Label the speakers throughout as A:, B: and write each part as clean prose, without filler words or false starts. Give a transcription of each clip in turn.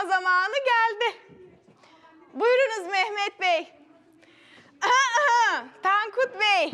A: yapma zamanı geldi. Buyurunuz Mehmet Bey. Tankut Bey.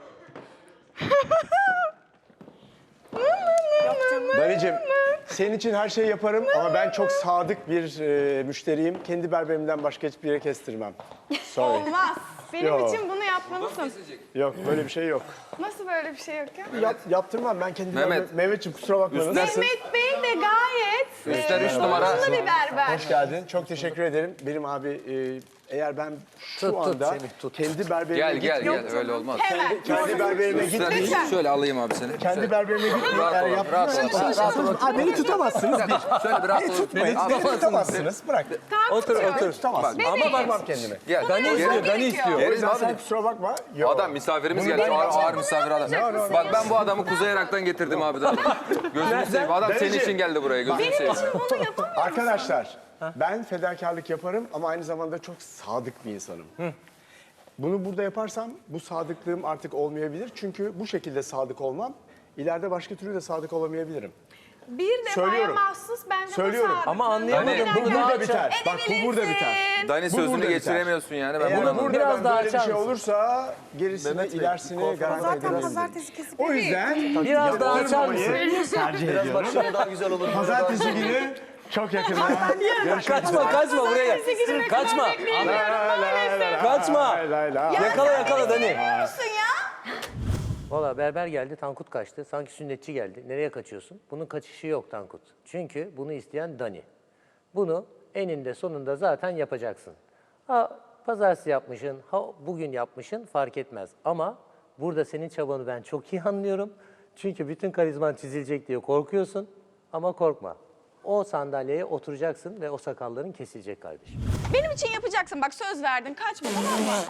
B: Danicim, senin için her şeyi yaparım ama ben çok sadık bir müşteriyim. Kendi berberimden başka hiçbir yere kestirmem. Sorry.
A: Olmaz. Benim
B: Yok.
A: için bunu yapmalısın.
B: Yok, böyle bir şey yok.
A: Nasıl böyle bir şey yok ya?
B: Yaptırmam ben kendi
C: Mehmet.
B: berberim. Mehmetciğim kusura bakma. Nasılsın?
A: Mehmet Bey de gayet
C: Üstten 3 numara.
A: donanımlı bir berber.
B: Hoş geldin. Çok teşekkür ederim. Benim abi eğer ben şu anda kendi berberime
C: Gel
B: gitmeyeyim.
C: öyle olmaz.
A: Hemen.
B: Kendi berberime
C: Üstten
B: gitmeyeyim.
C: şöyle alayım abi seni.
B: Kendi berberime gitmeyeyim.
C: Rahat
B: Eğer
C: ol, rahat ol.
B: yaptırmazsanız beni tutamazsınız.
C: Şöyle bir rahat ol.
B: Tutmayın. Beni tutamazsınız. Bırak.
A: Tankut'cum.
B: Tutamazsınız.
A: Bebeğim.
B: Bakmam kendime.
C: Gel.
A: Dani istiyor, Dani istiyor.
B: O
C: Geriz
B: yüzden sen
C: abi.
B: kusura bakma. Yok.
C: Adam misafirimiz geldi. Ağır misafir adam. Bak ben bu adamı Kuzey Irak'tan getirdim abi. Gözünü seveyim. Adam senin için geldi buraya. Gözünü
A: Benim
C: seveyim.
A: için bunu yapamam.
B: Arkadaşlar ben fedakarlık yaparım ama aynı zamanda çok sadık bir insanım. Bunu burada yaparsam bu sadıklığım artık olmayabilir. Çünkü bu şekilde sadık olmam ileride başka türlü de sadık olamayabilirim.
A: Bir defaya
B: Söylüyorum.
A: mahsus bence
B: Söylüyorum.
A: bu
D: Ama anlayamadım.
B: Bu burada biter. Bak bu burada biter.
C: Dani
B: Bu
C: sözünü
B: burada biter.
C: geçiremiyorsun yani. Ben
B: Eğer
C: bunu
B: burada
D: Biraz
B: ben
D: daha
B: böyle bir
D: açar
B: şey
D: mısın?
B: olursa gerisini, ilerisini garanti ederim.
A: kesip
B: O yüzden
D: Biraz daha açar mısın?
B: tercih ediyorum.
D: daha güzel olur.
B: Pazartesi günü çok yakında.
D: Kaçma buraya gel. Kaçma. Kaçma. Yakala Dani.
A: musun ya?
D: Valla berber geldi, Tankut kaçtı. Sanki sünnetçi geldi. Nereye kaçıyorsun? Bunun kaçışı yok Tankut. Çünkü bunu isteyen Dani. Bunu eninde sonunda zaten yapacaksın. Ha pazartesi yapmışsın, ha bugün yapmışsın fark etmez. Ama burada senin çabanı ben çok iyi anlıyorum. Çünkü bütün karizman çizilecek diye korkuyorsun. Ama korkma. O sandalyeye oturacaksın ve o sakalların kesilecek kardeşim.
A: Benim için yapacaksın. Bak söz verdin. Kaçma tamam mı?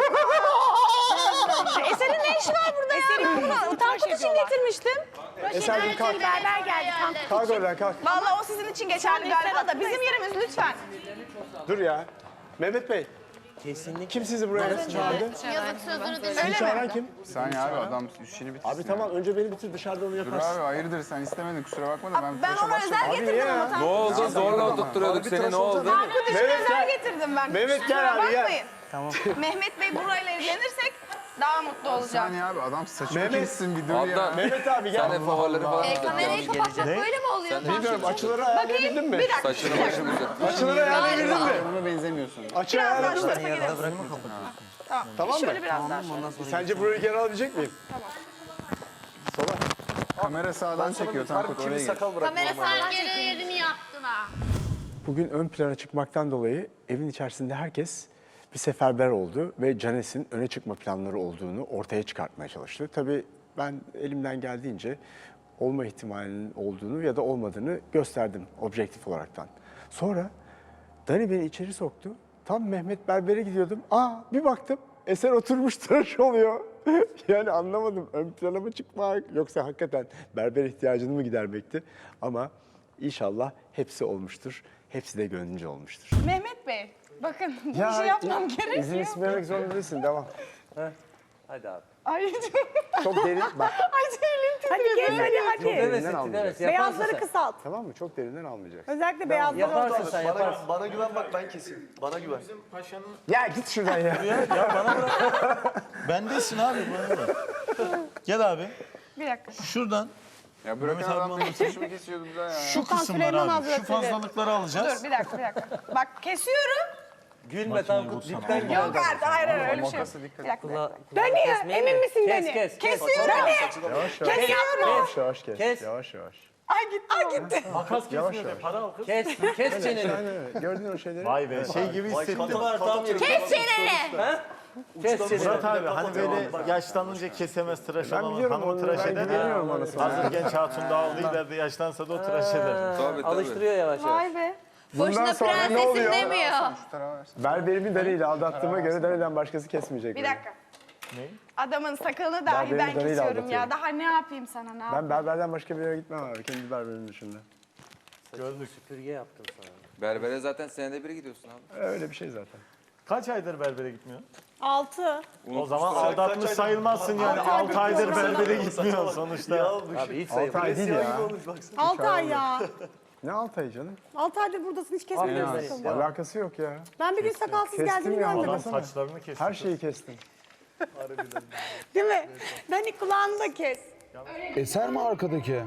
A: Eser'in ne işi var burada ya? Tankut için getirmiştim.
B: Eser'cim kalk.
A: Berber geldi. Tankut.
B: Kalk oradan kalk.
A: Vallahi o sizin için geçerli galiba da bizim yerimiz lütfen.
B: Dur ya. Mehmet Bey,
D: Kesinlikle.
B: kim sizi buraya çağırdı?
E: Yazık sözünü dinle.
B: Sizi çağıran kim?
F: Saniye abi adam işini bitirsin.
B: Abi tamam önce beni bitir dışarıda onu
F: Dur
B: yaparsın.
F: abi hayırdır sen istemedin kusura bakma da ben
A: Ben
F: koşa
A: ona özel
F: başladım.
A: getirdim
B: ya.
A: ama
C: Ne
A: Tankut.
C: oldu? Zorla oturtturuyorduk seni. Ne oldu?
A: Tankut için
B: Mehmet
A: özel
B: gel.
A: getirdim ben.
B: Mehmet gel
A: Kusura
B: abi, gel.
A: bakmayın. Mehmet Bey burayla evlenirsek daha mutlu olacağım.
F: Saniye abi adam saçını
B: Mehmet.
F: kessin bir dur
C: Adnan.
F: ya.
B: Mehmet abi gel.
C: Sen de favorileri falan.
E: Kamerayı kapatmak böyle mi oluyor?
B: Bilmiyorum açıları ayarlayabildin mi?
A: Bir dakika.
C: Saçını başını güzel.
B: Açıları ayarlayabildin mi?
F: Ona benzemiyorsun.
B: Açı
A: Biraz daha
B: ayarladın
A: şu
B: mı?
A: tarafa gidelim.
B: Tamam mı?
A: Şöyle biraz daha şöyle.
B: Sence burayı geri alabilecek miyim?
F: Kamera sağdan çekiyor Tankut oraya gir.
E: Kamera sen geri yerini yaptın ha.
B: Bugün ön plana çıkmaktan dolayı evin içerisinde herkes bir seferber oldu ve Canes'in öne çıkma planları olduğunu ortaya çıkartmaya çalıştı. Tabii ben elimden geldiğince olma ihtimalinin olduğunu ya da olmadığını gösterdim objektif olaraktan. Sonra Dani beni içeri soktu. Tam Mehmet Berber'e gidiyordum. Bir baktım Eser oturmuş tıraş oluyor. Yani anlamadım ön plana mı çıkmak yoksa hakikaten berber ihtiyacını mı gidermekti? Ama inşallah hepsi olmuştur. Hepsi de gönlünce olmuştur.
A: Mehmet Bey, bakın bu işi yapmam
B: İzin
A: gerekiyor.
B: istemek zorunda değilsin. Devam.
D: Hadi abi.
A: Ay
B: Çok derin bak.
A: elim titriyor.
B: Çok derinden almayacaksın.
D: Evet,
G: Beyazları kısalt.
B: Tamam mı? Çok derinden almayacaksın.
G: Özellikle beyazları
D: Yaparsın sen yaparsın.
H: Bana güven bak ben keseyim. Bana güven.
B: Ya git şuradan ya.
H: Bendesin abi bana bırak. Gel abi.
A: Bir dakika.
H: Şuradan
F: Ya bırakın
H: Mehmet abi
F: adam benim saçımı kesiyordu bir daha ya.
H: şu kısımları abi. Şu fazlalıkları alacağız.
A: Dur bir dakika. Bak kesiyorum.
D: Gülme Tankut dipten gel.
A: Yok artık hayır öyle bir şey yok. Bir dakika.
G: Dani, emin misin Dani?
D: Kes.
A: Kesiyorum.
B: Yavaş yavaş. Yavaş yavaş kes.
D: Kes.
B: Yavaş yavaş.
A: Ay gitti.
B: Yavaş yavaş.
D: Kes çeneni.
B: Aynen gördün o şeyleri.
H: Vay be şey gibi hissettim.
E: Kes çeneni.
D: Kes çeneni.
H: Murat abi hani böyle yaşlanınca kesemez tıraş
B: Ben
H: olan
B: biliyorum
H: hanımı
B: onu.
H: tıraş
B: Ben
H: eder.
B: güveniyorum anasını.
H: Hazır genç hatun da aldı ileride yaşlansa da o tıraş eder.
C: Tabii tabii.
D: Alıştırıyor yavaş yavaş.
A: Vay be.
E: Boşuna
B: sonra ne
E: prensesim
B: oluyor?
E: demiyor.
B: Berberimi Dani ile aldattığıma göre Dani'den başkası kesmeyecek.
A: Bir
B: beni.
A: dakika. Adamın sakalını dahi
B: benim
A: ben
B: Dani'yle
A: kesiyorum
B: aldatıyorum.
A: ya. Daha ne yapayım sana ne yapayım?
B: Ben berberden başka bir yere gitmem abi. Kendi berberimin dışında.
D: Süpürge yaptım sana.
C: Berbere zaten senede bir gidiyorsun abi.
B: Öyle bir şey zaten.
H: Kaç aydır berbere gitmiyor?
G: 6.
H: O zaman aldatmış sayılmazsın yani. 6 aydır berbere gitmiyor sonuçta.
D: Abi hiç
B: 6 ay değil ya.
G: 6 ay ya.
B: Ne 6 ay canım?
G: 6 aydır buradasın hiç kesmedin sakalını.
B: Alakası yok ya.
G: Ben bir gün sakalsız
B: Kestim
G: geldiğini
B: ya,
G: görmedim.
H: Adam
B: baksana.
H: saçlarını kesti.
B: Her şeyi kestim.
G: Değil mi? Dani kulağını da kes.
I: Eser mi arkadaki?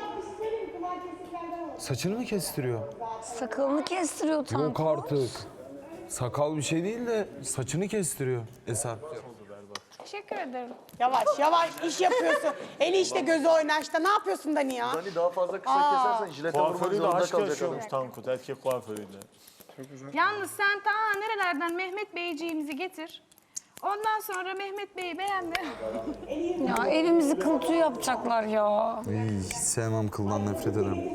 I: Saçını mı kestiriyor?
E: Sakalını kestiriyor Tankut.
I: Yok artık. Sakal bir şey değil de saçını kestiriyor Eser.
A: Teşekkür ederim.
G: Yavaş yavaş iş yapıyorsun. Eli işte gözü oynaşta. Ne yapıyorsun Dani ya?
J: Hani daha fazla kısa kesersen jilete vurmak
H: Kuaförüyle
J: zorunda
H: aşk
J: kalacak
H: yaşıyormuş Tankut, erkek kuaförüyle.
A: Yalnız sen ta nerelerden Mehmet Beyciğimizi getir. Ondan sonra Mehmet Bey'i beğenme.
E: Ya elimizi kıl tüy yapacaklar ya.
I: Hiç sevmem, kıldan nefret ederim.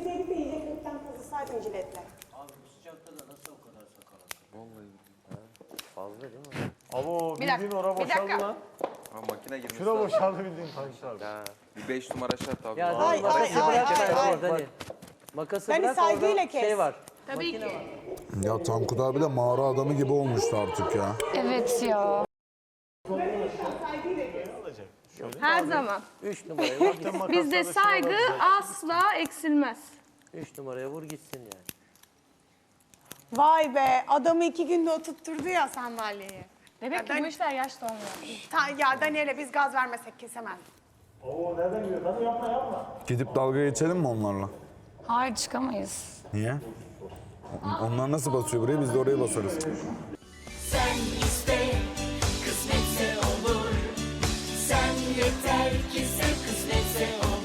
H: Abo
A: Bir dakika,
H: bildiğin ora
A: bir
H: boşaldı
A: dakika.
H: lan.
C: Ha, makine girmiş.
H: Şura boşaldı bildiğin Tankut abi.
C: Bir 5 numara şart abi.
D: Ya
G: Ay,
D: makası
G: ay,
D: bırak
G: ay,
D: sen
G: ay.
D: orada Dani. Makası
G: Dani,
D: bırak
G: saygıyla
D: orada
G: kes.
D: şey var.
A: Tabii ki.
I: Ya Tankut abi de mağara adamı gibi olmuştu artık ya.
E: Evet ya.
A: Her zaman.
D: 3 numaraya vur gitsin.
A: Bizde saygı asla eksilmez.
D: 3 numaraya vur gitsin yani.
G: Vay be adamı 2 günde oturtturdu ya sandalyeyi.
A: Demek ki bu işler yaşta olmuyor.
G: Ya Daniel'e biz gaz vermesek kesemez.
I: Gidip dalga geçelim mi onlarla?
E: Hayır çıkamayız.
I: Niye? Onlar nasıl basıyor buraya, biz de oraya basarız.
K: Sen iste, kısmetse olur. Sen yeter ki sen kısmetse olur.